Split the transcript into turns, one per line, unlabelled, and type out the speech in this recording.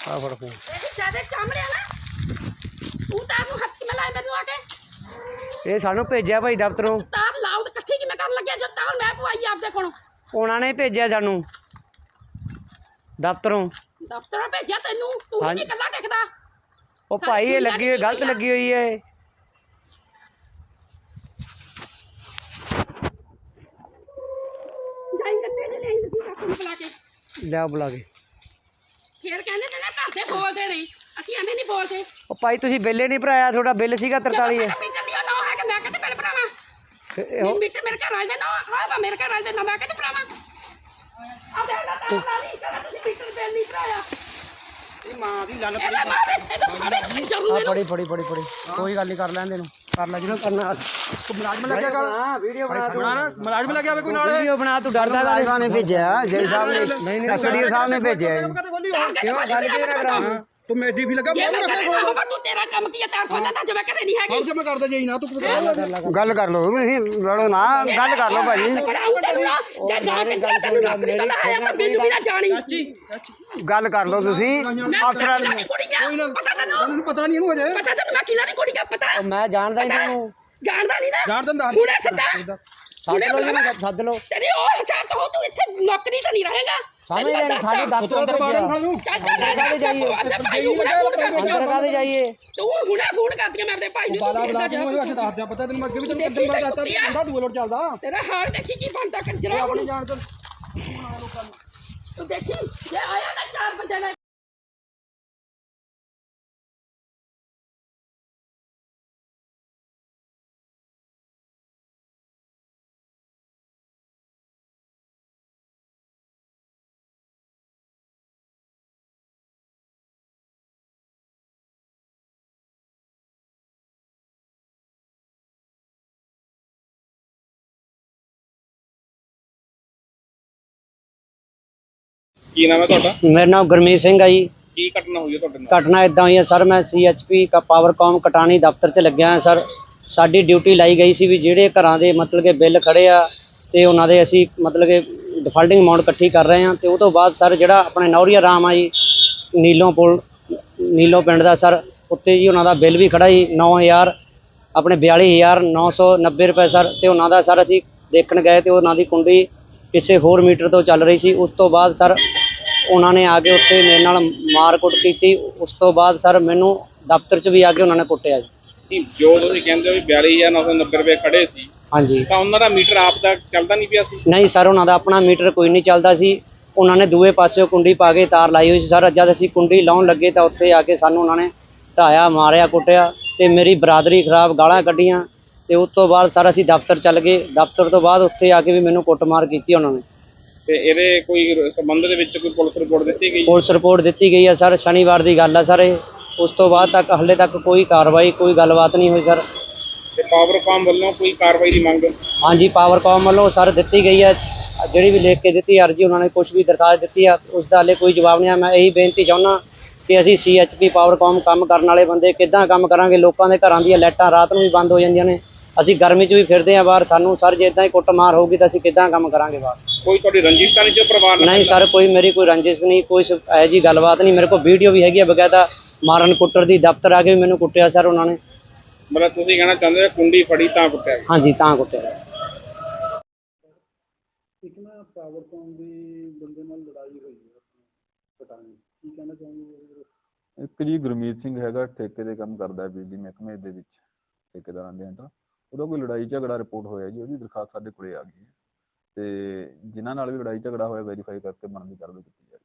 ਆ ਫੜ ਫੋਨ
ਜਿਆਦਾ ਚਾਮੜਿਆ ਨਾ ਤੂੰ ਤਾਂ ਨੂੰ ਹੱਥ ਕਿਵੇਂ ਲਾਏ ਮੈਨੂੰ ਆ ਕੇ
ਇਹ ਸਾਨੂੰ ਭੇਜਿਆ ਭਾਈ ਦਫ਼ਤਰੋਂ
ਤਾਰ ਲਾਉਦ ਇਕੱਠੀ ਕਿਵੇਂ ਕਰਨ ਲੱਗਿਆ ਜਦ ਤਾਰ ਮੈਂ ਪਵਾਈ ਆਪਦੇ ਕੋਲੋਂ
ਉਹਨਾਂ ਨੇ ਭੇਜਿਆ ਸਾਨੂੰ ਦਫ਼ਤਰੋਂ
ਭੇਜਿਆ ਤੈਨੂੰ ਤੂੰ ਹੀ ਨਹੀਂ ਇਕੱਲਾ ਟਿਕਦਾ
ਉਹ ਭਾਈ ਇਹ ਲੱਗੀ ਹੋਈ ਗਲਤ ਲੱਗੀ ਹੋਈ ਹੈ
ਜਾਈ ਕੱਟੇ ਨੇ ਨਹੀਂ ਤੂੰ ਕਾਕੂ ਨੂੰ ਬੁਲਾ ਕੇ
ਲਿਆ ਬੁਲਾ ਕੇ
ਫੇਰ ਕਹਿੰਦੇ ਨੇ ਨਾ ਘਰ ਦੇ ਬੋਲਦੇ ਨਹੀਂ ਅਸੀਂ ਐਵੇਂ ਨਹੀਂ ਬੋਲਦੇ
ਉਹ ਭਾਈ ਤੁਸੀਂ ਬਿੱਲ ਨਹੀਂ ਭਰਾਇਆ ਤੁਹਾਡਾ ਬਿੱਲ ਸੀਗਾ 43 ਹੈ
ਮੀਟਰ ਨਹੀਂ ਨਾ ਹੈ ਕਿ ਮੈਂ ਕਹਿੰਦੇ ਬਿੱਲ ਭਰਾਵਾਂ ਮੀਟਰ ਮੇਰੇ ਘਰ ਵਾਲੇ ਦੇ ਨਾ ਆ ਮੇਰੇ ਘਰ ਵਾਲੇ ਦੇ ਨਾ ਮੈਂ ਕਹਿੰਦੇ ਭਰਾਵਾਂ ਆ ਦੇ ਨਾ ਤਾਂ ਨਹੀਂ ਕਹਿੰਦਾ ਤੁਸੀਂ ਮੀਟਰ ਬਿੱਲ ਨਹੀਂ ਭਰਾਇਆ
ਇਹ ਮਾਂ ਦੀ ਲੱਲ
ਇਹਦੇ ਮਾਰੇ ਇਹਦੇ
ਫੜੀ ਕੋਈ ਗੱਲ ਨਹੀਂ ਕਰ ਲੈਂਦੇ ਨੂੰ ਕਰ ਲੈ ਜਿਹਨੂੰ ਕਰਨਾ
ਮੁਲਾਜ਼ਮ ਲੱਗਿਆ ਗੱਲ
ਹਾਂ ਵੀਡੀਓ ਬਣਾ ਤੂੰ
ਮੁਲਾਜ਼ਮ ਲੱਗਿਆ ਹੋਵੇ ਕੋਈ ਨਾਲ
ਵੀਡੀਓ ਬਣਾ ਤੂੰ ਡਰਦਾ
ਮੁਲਾਜ਼ਮਾਂ ਨੇ ਭੇਜਿਆ ਜੈ ਸਾਹਿਬ ਨੇ ਕਸੜੀਆ ਸਾਹਿਬ ਨੇ ਭੇਜਿਆ
ਕਿਉਂ ਗੱਲ ਕਿਉਂ ਨਾ ਕਰਾਂ
ਤੂੰ ਮੇਡੀ ਵੀ ਲੱਗਾ
ਜੇ ਮੈਂ ਕਰੇ ਨਾ ਹੋਵਾ ਤੂੰ ਤੇਰਾ ਕੰਮ ਕੀ ਹੈ ਤਾਂ ਸੋਚਦਾ ਤਾਂ ਜਿਵੇਂ ਕਰੇ ਨਹੀਂ ਹੈਗੀ
ਜੇ ਮੈਂ ਕਰਦਾ ਜਾਈ ਨਾ ਤੂੰ
ਗੱਲ ਕਰ ਲਓ ਤੁਸੀਂ ਲੜੋ ਨਾ ਗੱਲ ਕਰ ਲਓ ਭਾਈ
ਜੇ ਜਾ ਕੇ ਤੈਨੂੰ ਨੌਕਰੀ ਤੋਂ ਲਹਾਇਆ ਤਾਂ ਮੈਨੂੰ ਵੀ ਨਾ ਜਾਣੀ
ਗੱਲ ਕਰ ਲਓ ਤੁਸੀਂ ਅਫਸਰਾਂ
ਕੋਈ ਨਾ ਪਤਾ ਤੈਨੂੰ
ਪਤਾ ਨਹੀਂ ਇਹਨੂੰ ਅਜੇ
ਪਤਾ ਤੈਨੂੰ ਮੈਂ ਕਿਹਨਾਂ ਦੀ ਕੁੜੀ ਦਾ ਪਤਾ
ਮੈਂ ਜਾਣਦਾ ਹੀ ਤੈਨੂੰ
ਜਾਣਦਾ ਨਹੀਂ ਨਾ
ਜਾਣ ਦਿੰਦਾ
ਹੁਣੇ ਸਿੱਧਾ
ਸੱਦ ਲਓ
ਤੇਰੀ ਉਹ ਹਜ਼ਾਰ ਤੋਂ ਤੂੰ ਇੱਥੇ ਨੌਕਰੀ ਤਾਂ ਨਹੀਂ ਰਹੇਗਾ
ਸਾਹਮਣੇ ਜਾਈ ਸਾਡੇ ਦਫ਼ਤਰ ਤੇ ਜਾਈਏ ਅੰਦਰ ਕਾਹਦੇ ਜਾਈਏ
ਤੂੰ ਹੁਣੇ ਫੋਨ ਕਰਦੀਆਂ ਮੈਂ ਆਪਣੇ ਭਾਈ ਨੂੰ
ਬਾਲਾ ਬਲਾ ਤੂੰ ਅਸੀਂ ਦੱਸ ਦਿਆ ਪਤਾ ਤੈਨੂੰ ਮੈਂ ਅੱਗੇ ਵੀ ਤੈਨੂੰ ਕਿੰਨੀ ਵਾਰ ਦੱਸਤਾ ਬੰਦਾ ਦੂਏ ਲੋਟ ਚੱਲਦਾ
ਤੇਰਾ ਹਾਲ ਦੇਖੀ ਕੀ ਬਣਦਾ ਕੰਜਰਾ
ਆਪਣੀ ਜਾਣ ਤੋਂ
ਤੂੰ ਦੇਖੀ ਜੇ ਆਇਆ ਨਾ ਚਾਰ ਬੰਦੇ ਨੇ
ਕੀ ਨਾਮ ਹੈ ਤੁਹਾਡਾ?
ਮੇਰਾ ਨਾਮ ਗੁਰਮੀਤ ਸਿੰਘ ਹੈ ਜੀ।
ਕੀ ਘਟਨਾ ਹੋਈ ਹੈ ਤੁਹਾਡੇ ਨਾਲ?
ਘਟਨਾ ਇਦਾਂ ਹੋਈ ਹੈ ਸਰ, ਮੈਂ CHP ਪਾਵਰਕਾਮ ਕਟਾਣੀ ਦਫ਼ਤਰ 'ਚ ਲੱਗਿਆ ਹਾਂ ਸਰ। ਸਾਡੀ ਡਿਊਟੀ ਲਾਈ ਗਈ ਸੀ ਵੀ ਜਿਹੜੇ ਘਰਾਂ ਦੇ ਮਤਲਬ ਕਿ ਬਿੱਲ ਖੜੇ ਆ ਤੇ ਉਹਨਾਂ ਦੇ ਅਸੀਂ ਮਤਲਬ ਕਿ ਡਿਫਾਲਟਿੰਗ ਅਮਾਊਂਟ ਇਕੱਠੀ ਕਰ ਰਹੇ ਹਾਂ। ਤੇ ਉਹ ਤੋਂ ਬਾਅਦ ਸਰ ਜਿਹੜਾ ਆਪਣੇ ਨੌਰੀਆ ਰਾਮ ਆ ਜੀ ਨੀਲੋਂ ਪਿੰਡ ਦਾ ਸਰ, ਉੱਤੇ ਜੀ ਉਹਨਾਂ ਦਾ ਬਿੱਲ ਵੀ ਖੜਾ ਜੀ 9000 ਆਪਣੇ 42,990 ਰੁਪਏ ਸਰ। ਤੇ ਉਹਨਾਂ ਦਾ ਸਰ ਅਸੀਂ ਦੇਖਣ ਗਏ ਤੇ ਉਹਨਾਂ ਦੀ ਕੁੰਡੀ ਕਿਸੇ ਹੋਰ ਮੀਟਰ ਤੋਂ ਚੱਲ ਰਹੀ ਸੀ। ਉਸ ਤੋਂ ਬਾਅਦ ਸਰ ਉਹਨਾਂ ਨੇ ਆ ਕੇ ਉੱਥੇ ਮੇਰੇ ਨਾਲ ਮਾਰ ਕੁੱਟ ਕੀਤੀ। ਉਸ ਤੋਂ ਬਾਅਦ ਸਰ ਮੈਨੂੰ ਦਫ਼ਤਰ 'ਚ ਵੀ ਆ ਕੇ ਉਹਨਾਂ ਨੇ ਕੁੱਟਿਆ ਜੀ।
ਜੋ ਤੁਸੀਂ ਕਹਿੰਦੇ ਹੋ 42,990 ਰੁਪਏ ਖੜੇ ਸੀ,
ਹਾਂਜੀ,
ਤਾਂ ਉਹਨਾਂ ਦਾ ਮੀਟਰ ਆਪ ਦਾ ਚੱਲਦਾ ਨਹੀਂ ਪਿਆ ਸੀ?
ਨਹੀਂ ਸਰ, ਉਹਨਾਂ ਦਾ ਆਪਣਾ ਮੀਟਰ ਕੋਈ ਨਹੀਂ ਚੱਲਦਾ ਸੀ। ਉਹਨਾਂ ਨੇ ਦੂਏ ਪਾਸਿਓਂ ਕੁੰਡੀ ਪਾ ਕੇ ਤਾਰ ਲਾਈ ਹੋਈ ਸੀ ਸਰ। ਜਦ ਅਸੀਂ ਕੁੰਡੀ ਲਾਉਣ ਲੱਗੇ ਤਾਂ ਉੱਥੇ ਆ ਕੇ ਸਾਨੂੰ ਉਹਨਾਂ ਨੇ ਢਾਇਆ, ਮਾਰਿਆ, ਕੁੱਟਿਆ ਤੇ ਮੇਰੀ ਬਰਾਦਰੀ ਖਰਾਬ, ਗਾਲਾਂ ਕੱਢੀਆਂ। ਤੇ ਉਸ ਤੋਂ ਬਾਅਦ ਸਰ ਅਸੀਂ ਦਫ਼ਤਰ ਚੱਲ ਗਏ। ਦਫ਼ਤਰ ਤੋਂ ਬਾਅਦ ਉੱਥੇ ਆ ਕੇ ਵੀ ਮੈਨੂੰ ਕੁੱਟਮਾਰ ਕੀਤੀ ਉਹਨਾਂ ਨੇ।
ਤੇ ਇਹਦੇ ਕੋਈ ਸੰਬੰਧ ਦੇ ਵਿੱਚ ਕੋਈ ਪੁਲਿਸ ਰਿਪੋਰਟ ਦਿੱਤੀ ਗਈ?
ਪੁਲਿਸ ਰਿਪੋਰਟ ਦਿੱਤੀ ਗਈ ਹੈ ਸਰ, ਸ਼ਨੀਵਾਰ ਦੀ ਗੱਲ ਹੈ ਸਰ ਇਹ। ਉਸ ਤੋਂ ਬਾਅਦ ਤੱਕ ਹਾਲੇ ਤੱਕ ਕੋਈ ਕਾਰਵਾਈ, ਕੋਈ ਗੱਲਬਾਤ ਨਹੀਂ ਹੋਈ ਸਰ।
ਤੇ ਪਾਵਰਕਾਮ ਵੱਲੋਂ ਕੋਈ ਕਾਰਵਾਈ ਦੀ ਮੰਗ?
ਹਾਂਜੀ, ਪਾਵਰਕਾਮ ਵੱਲੋਂ ਸਰ ਦਿੱਤੀ ਗਈ ਹੈ, ਜਿਹੜੀ ਵੀ ਲਿਖ ਕੇ ਦਿੱਤੀ ਅਰਜੀ, ਉਹਨਾਂ ਨੇ ਕੁਛ ਵੀ ਦਰਖਾਸਤ ਦਿੱਤੀ ਆ, ਉਸ ਦਾ ਹਾਲੇ ਕੋਈ ਜਵਾਬ ਨਹੀਂ ਆ। ਮੈਂ ਇਹੀ ਬੇਨਤੀ ਚਾਹੁੰਦਾ ਕਿ ਅਸੀਂ CHP ਪਾਵਰਕਾਮ ਕੰਮ ਕਰਨ ਵਾਲੇ ਬੰਦੇ ਕਿੱਦਾਂ ਕੰਮ ਕਰਾਂਗੇ? ਲੋਕਾਂ ਦੇ ਘਰਾਂ ਦੀਆਂ ਲਾਈਟਾਂ ਰਾਤ ਨੂੰ ਵੀ ਬੰਦ ਹੋ ਜਾਂਦੀਆਂ ਨੇ, ਅਸੀਂ ਗਰਮੀ 'ਚ ਵੀ ਫਿਰਦੇ ਹਾਂ ਬਾਹਰ। ਸਾਨੂੰ ਸਰ ਜੇ ਇੱਦਾਂ ਹੀ ਕੁੱਟਮਾਰ ਹੋਊਗੀ ਤਾਂ ਅਸੀਂ ਕਿੱਦਾਂ ਕੰਮ ਕਰਾਂਗੇ ਬਾਹਰ?
ਕੋਈ ਤੁਹਾਡੀ ਰੰਜਿਸ਼ ਤਾਂ ਨਹੀਂ ਜੋ ਪਰਿਵਾਰ ਨਾਲ?
ਨਹੀਂ ਸਰ, ਕੋਈ ਮੇਰੀ ਕੋਈ ਰੰਜਿਸ਼ ਨਹੀਂ, ਕੋਈ ਇਹੋ ਜਿਹੀ ਗੱਲਬਾਤ ਨਹੀਂ। ਮੇਰੇ ਕੋਲ ਵੀਡੀਓ ਵੀ ਹੈਗੀ ਆ ਬਕਾਇਦਾ ਮਾਰਨ ਕੁੱਟਣ ਦੀ। ਦਫ਼ਤਰ ਆ ਕੇ ਵੀ ਮੈਨੂੰ ਕੁੱਟਿਆ ਸਰ ਉਹਨਾਂ ਨੇ।
ਮਤਲਬ ਤੁਸੀਂ ਕਹਿਣਾ ਚਾਹੁੰਦੇ ਹੋ ਕੁੰਡੀ ਫੜੀ ਤਾਂ ਕੁੱਟਿਆ?
ਹਾਂਜੀ, ਤਾਂ ਕੁੱਟਿਆ।
ਇੱਕ ਨਾ ਪਾਵਰਕਾਮ ਦੀ ਬੰਦੇ ਨਾਲ ਲੜਾਈ ਹੋਈ ਹੈ ਪਟਾਣੀ, ਕੀ ਕਹਿਣਾ ਚਾਹੁੰਦੇ?
ਇੱਕ ਜੀ ਗੁਰਮੀਤ ਸਿੰਘ ਹੈਗਾ, ਠੇਕੇ ਦੇ ਕੰਮ ਕਰਦਾ ਬਿਜਲੀ ਮਹਿਕਮੇ ਦੇ ਵਿੱਚ, ਠੇਕੇਦਾਰਾਂ ਦੇ ਅੰਦਰ। ਉਹਦਾ ਕੋਈ ਲੜਾਈ ਝਗੜਾ ਰਿਪੋਰਟ ਹੋਇਆ ਜੀ, ਉਹਦੀ ਦਰਖਾਸਤ ਸਾਡੇ ਕੋਲੇ ਆ ਗਈ ਹੈ ਤੇ ਜਿਨ੍ਹਾਂ ਨਾਲ ਵੀ ਲੜਾਈ ਝਗੜਾ ਹੋਇਆ ਵੈਰੀਫਾਈ ਕਰਕੇ ਬਣਦੀ ਕਾਰਵਾਈ ਕੀਤੀ ਜਾ ਰਹੀ ਹੈ।